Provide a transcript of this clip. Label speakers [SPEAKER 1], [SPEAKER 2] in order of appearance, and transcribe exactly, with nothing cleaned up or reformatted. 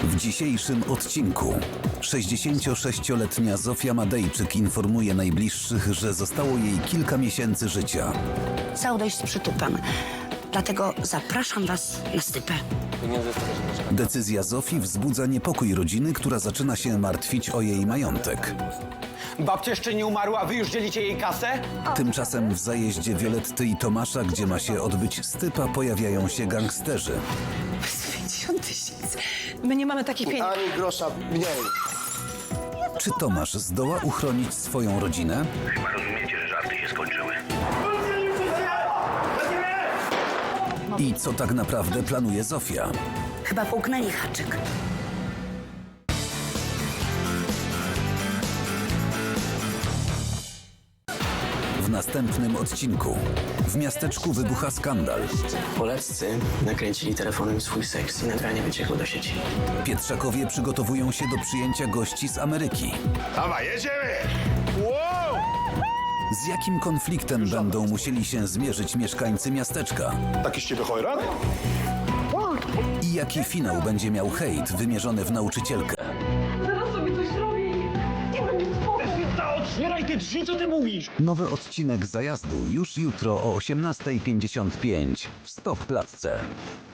[SPEAKER 1] W dzisiejszym odcinku sześćdziesięciosześcioletnia Zofia Madejczyk informuje najbliższych, że zostało jej kilka miesięcy życia.
[SPEAKER 2] Cały dość z przytupem. Dlatego zapraszam was na stypę.
[SPEAKER 1] Decyzja Zofii wzbudza niepokój rodziny, która zaczyna się martwić o jej majątek.
[SPEAKER 3] Babcia jeszcze nie umarła, a wy już dzielicie jej kasę?
[SPEAKER 1] Tymczasem w zajeździe Violetty i Tomasza, gdzie ma się odbyć stypa, pojawiają się gangsterzy.
[SPEAKER 2] pięćdziesiąt tysięcy. My nie mamy takich pieniędzy.
[SPEAKER 4] Ani grosza mniej.
[SPEAKER 1] Czy Tomasz zdoła uchronić swoją rodzinę?
[SPEAKER 5] Chyba rozumiecie, że żarty się skończyły.
[SPEAKER 1] I co tak naprawdę planuje Zofia?
[SPEAKER 2] Chyba połknęli haczyk.
[SPEAKER 1] W następnym odcinku. W miasteczku wybucha skandal.
[SPEAKER 6] Poleccy nakręcili telefonem swój seks i nagranie wyciekło do sieci.
[SPEAKER 1] Pietrzakowie przygotowują się do przyjęcia gości z Ameryki.
[SPEAKER 5] Dawaj, jedziemy! Wow!
[SPEAKER 1] Z jakim konfliktem będą musieli się zmierzyć mieszkańcy miasteczka?
[SPEAKER 5] Taki z ciebie chojran?
[SPEAKER 1] I jaki finał będzie miał hejt wymierzony w nauczycielkę?
[SPEAKER 7] Zaraz sobie coś zrobi. Nie mam nic spokój.
[SPEAKER 3] Otwieraj te drzwi, co ty mówisz?
[SPEAKER 1] Nowy odcinek Zajazdu już jutro o osiemnastej pięćdziesiąt pięć w Stop Klatce.